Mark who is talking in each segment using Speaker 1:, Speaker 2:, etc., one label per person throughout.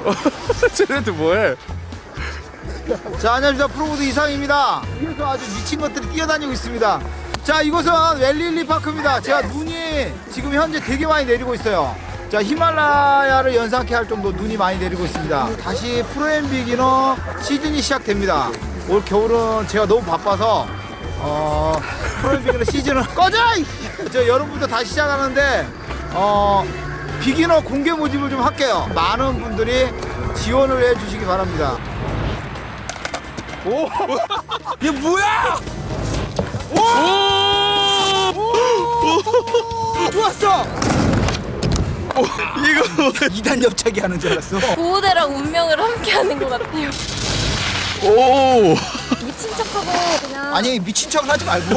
Speaker 1: 쟤네들 뭐해?
Speaker 2: 자, 안녕하십니까. 프로보드 이상입니다. 위에서 아주 미친 것들이 뛰어다니고 있습니다. 자, 이곳은 웰릴리 파크입니다. 제가 눈이 지금 현재 되게 많이 내리고 있어요. 자, 히말라야를 연상케 할 정도 눈이 많이 내리고 있습니다. 다시 프로엠 비기너 시즌이 시작됩니다. 올 겨울은 제가 너무 바빠서 프로엠 비기너 시즌은 꺼져! 저 여름부터 다시 시작하는데 비기너 공개 모집을 좀 할게요. 많은 분들이 지원을 해주시기 바랍니다.
Speaker 1: 오!
Speaker 2: 이게 뭐야? 좋았어!
Speaker 1: 이거
Speaker 2: 2단 옆차기 하는 줄 알았어.
Speaker 3: 구호대랑 운명을 함께하는 것 같아요.
Speaker 1: 오!
Speaker 3: 미친 척하고 그냥.
Speaker 2: 아니, 미친 척을 하지 말고.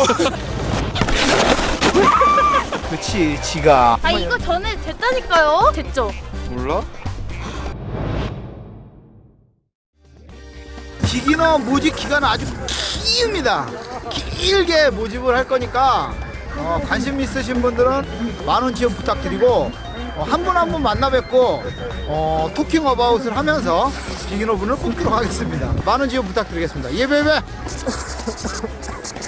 Speaker 2: 그치, 지가.
Speaker 3: 아 이거 전에 됐다니까요. 됐죠?
Speaker 1: 몰라?
Speaker 2: 비기너 모집 기간은 아주 깁니다. 길게 모집을 할 거니까 관심 있으신 분들은 많은 지원 부탁드리고 한 분 한 분 만나 뵙고 토킹 어바웃을 하면서 비기너 분을 뽑도록 하겠습니다. 많은 지원 부탁드리겠습니다. 예배배.